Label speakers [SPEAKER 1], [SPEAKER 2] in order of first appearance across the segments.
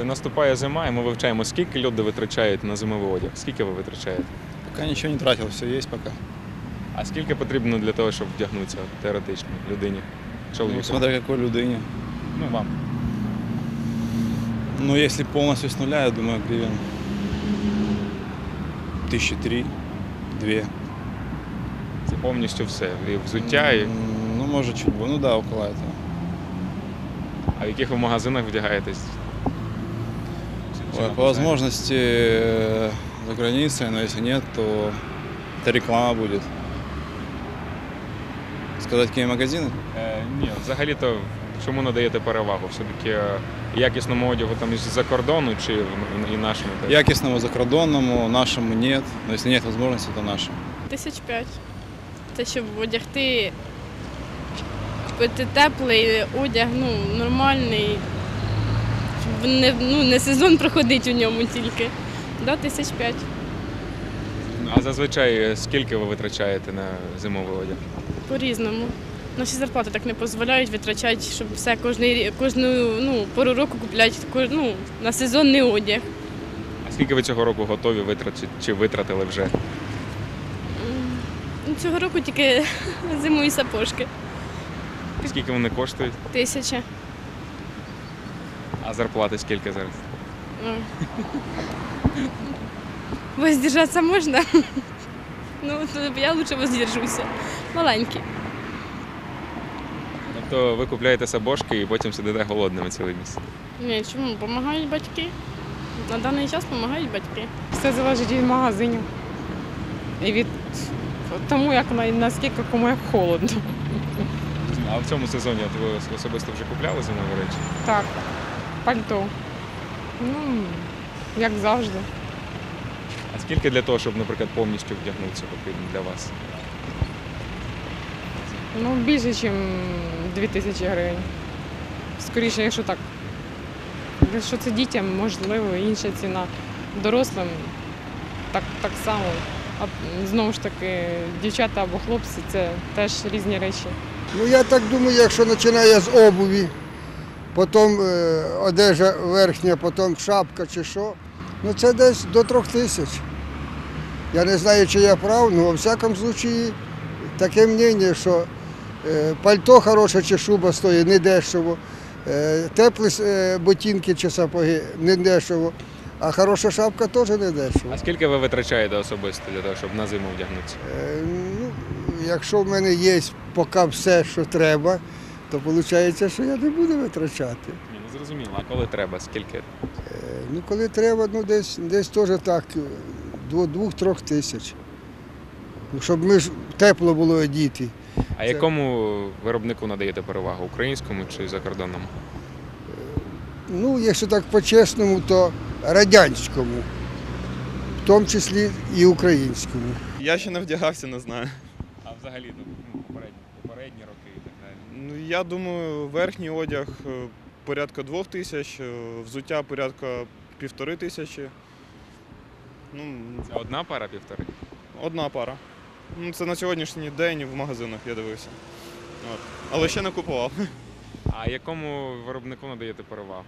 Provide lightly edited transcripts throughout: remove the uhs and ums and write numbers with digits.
[SPEAKER 1] Наступає зима, і ми вивчаємо, скільки люди витрачають на зимовий одяг. Скільки ви витрачаєте?
[SPEAKER 2] Пока ничего не тратил, все есть пока.
[SPEAKER 1] А скільки потрібно для того, щоб вдягнутися теоретично людині?
[SPEAKER 2] Ну,
[SPEAKER 1] Чоловіку?
[SPEAKER 2] смотря какой людине.
[SPEAKER 1] Ну, вам.
[SPEAKER 2] Но если полностью с нуля, я думаю, гривен 1003, 2.
[SPEAKER 1] Це повністю все. І взуття, і...
[SPEAKER 2] Ну, может, чуть больше. Ну да, около этого.
[SPEAKER 1] А в яких ви магазинах вдягаєтесь?
[SPEAKER 2] Ой, по возможности за границей, но если нет, то это реклама будет. Сказать, какие магазины?
[SPEAKER 1] Ні, взагалі-то чому надаєте перевагу? Все-таки якісному одягу там із-за кордону чи і нашому?
[SPEAKER 2] Якісному закордонному, нашему нет. Но если нет возможности, то нашему.
[SPEAKER 3] 5 тисяч. Те, щоб одягти, купити теплий одяг, нормальний, щоб не сезон проходить у ньому тільки. 5 тисяч.
[SPEAKER 1] А зазвичай скільки ви витрачаєте на зимовий одяг?
[SPEAKER 3] По-різному. Наші зарплати так не дозволяють витрачати, щоб все кожну пору року купляти на сезонний одяг.
[SPEAKER 1] А скільки ви цього року готові витратити чи витратили вже?
[SPEAKER 3] Цього року тільки зимові сапожки.
[SPEAKER 1] Скільки вони коштують?
[SPEAKER 3] 1000.
[SPEAKER 1] А зарплати скільки зараз?
[SPEAKER 3] Воздержаться можна? Я лучше воздержуся. Маленькі.
[SPEAKER 1] Тобто ви купляєте сапожки і потім сидите голодними цілий місяць?
[SPEAKER 3] Ні, чому? Допомагають батьки. На даний час допомагають батьки.
[SPEAKER 4] Все залежить від магазинів. І від тому, наскільки кому як холодно.
[SPEAKER 1] А в цьому сезоні ви особисто вже купляли зимові речі?
[SPEAKER 4] Так, пальто. Як завжди.
[SPEAKER 1] А скільки для того, щоб, наприклад, повністю вдягнутися потрібно для вас?
[SPEAKER 4] Більше, ніж 2000 гривень. Скоріше, якщо так. Якщо це дітям, можливо, інша ціна. Дорослим так само. А знову ж таки, дівчата або хлопці – це теж різні речі.
[SPEAKER 5] Я так думаю, якщо починає з обуві, потім одежа верхня, потім шапка чи що, це десь до 3000. Я не знаю, чи я прав, але у всякому випадку таке мнення, що пальто хороше чи шуба стоїть недешево, теплі ботинки чи сапоги недешево, а хороша шапка теж недешево.
[SPEAKER 1] А скільки ви витрачаєте особисто для того, щоб на зиму вдягнутися?
[SPEAKER 5] Якщо в мене є поки все, що треба, то виходить, що я не буду витрачати.
[SPEAKER 1] Ні, не зрозуміло. А коли треба, скільки?
[SPEAKER 5] Коли треба, десь теж так, до 2-3 тисяч. Щоб ми ж тепло було одіти.
[SPEAKER 1] А якому виробнику надаєте перевагу? Українському чи закордонному?
[SPEAKER 5] Якщо так по-чесному, то радянському, в тому числі і українському.
[SPEAKER 6] Я ще не вдягався, не знаю.
[SPEAKER 1] А взагалі попередні роки і так далі?
[SPEAKER 6] Я думаю, верхній одяг порядка 2000, взуття порядка 1500.
[SPEAKER 1] Це одна пара, півтори?
[SPEAKER 6] Одна пара. Це на сьогоднішній день в магазинах я дивився. Але ще не купував.
[SPEAKER 1] А якому виробнику надаєте перевагу?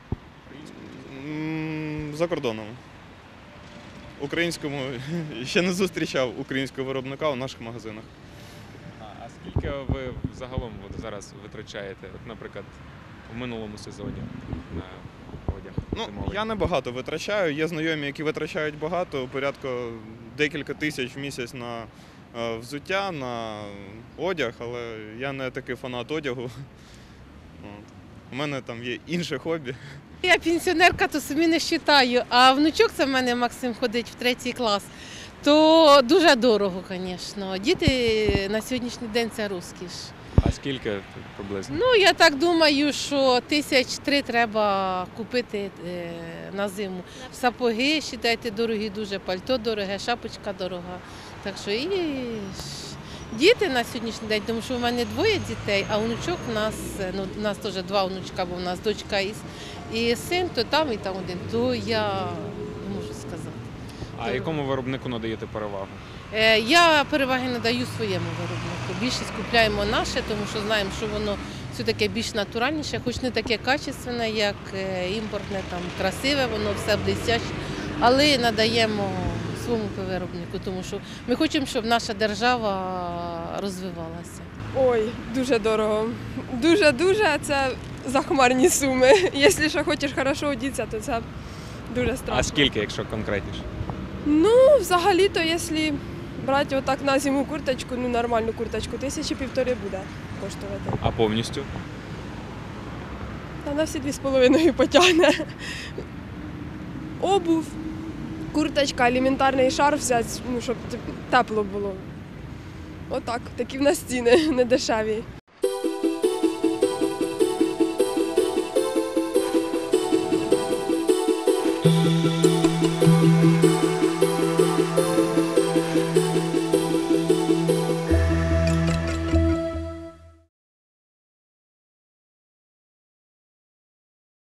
[SPEAKER 6] За кордоном. Українському ще не зустрічав українського виробника у наших магазинах.
[SPEAKER 1] А скільки ви загалом зараз витрачаєте, наприклад, в минулому сезоні на одяг зимовий?
[SPEAKER 6] Я не багато витрачаю. Є знайомі, які витрачають багато, порядка декілька тисяч в місяць на взуття, на одяг, але я не такий фанат одягу. У мене там є інше хобі.
[SPEAKER 7] Я пенсіонерка, то собі не вважаю, а внучок це в мене Максим ходить в 3 клас, то дуже дорого, звісно. Діти на сьогоднішній день це розкіш.
[SPEAKER 1] А скільки приблизно?
[SPEAKER 7] Я так думаю, що 1003 треба купити на зиму. Сапоги, вважайте, дорогі дуже, пальто дороге, шапочка дорога. Так що і діти на сьогоднішній день, тому що в мене 2 дітей, а внучок у нас теж 2 внучка, бо в нас дочка і син, то там і там один, то я не можу сказати.
[SPEAKER 1] А якому виробнику надаєте перевагу?
[SPEAKER 7] Я переваги надаю своєму виробнику. Більшість купляємо наше, тому що знаємо, що воно все-таки більш натуральніше, хоч не таке качественне, як імпортне, там красиве, воно все блестяще, але надаємо своєму виробнику, тому що ми хочемо, щоб наша держава розвивалася.
[SPEAKER 8] Ой, дуже дорого. Дуже-дуже, це захмарні суми. Якщо ще хочеш хорошо одітися, то це дуже страшно.
[SPEAKER 1] А скільки, якщо конкретніше?
[SPEAKER 8] Ну, взагалі-то, якщо брати отак на зиму курточку, ну нормальну курточку, 1500 буде коштувати.
[SPEAKER 1] А повністю?
[SPEAKER 8] Та на всі 2,5 потягне. Обув, курточка, елементарний шарф взяти, ну, щоб тепло було. Отак, такі в нас ціни, не дешеві.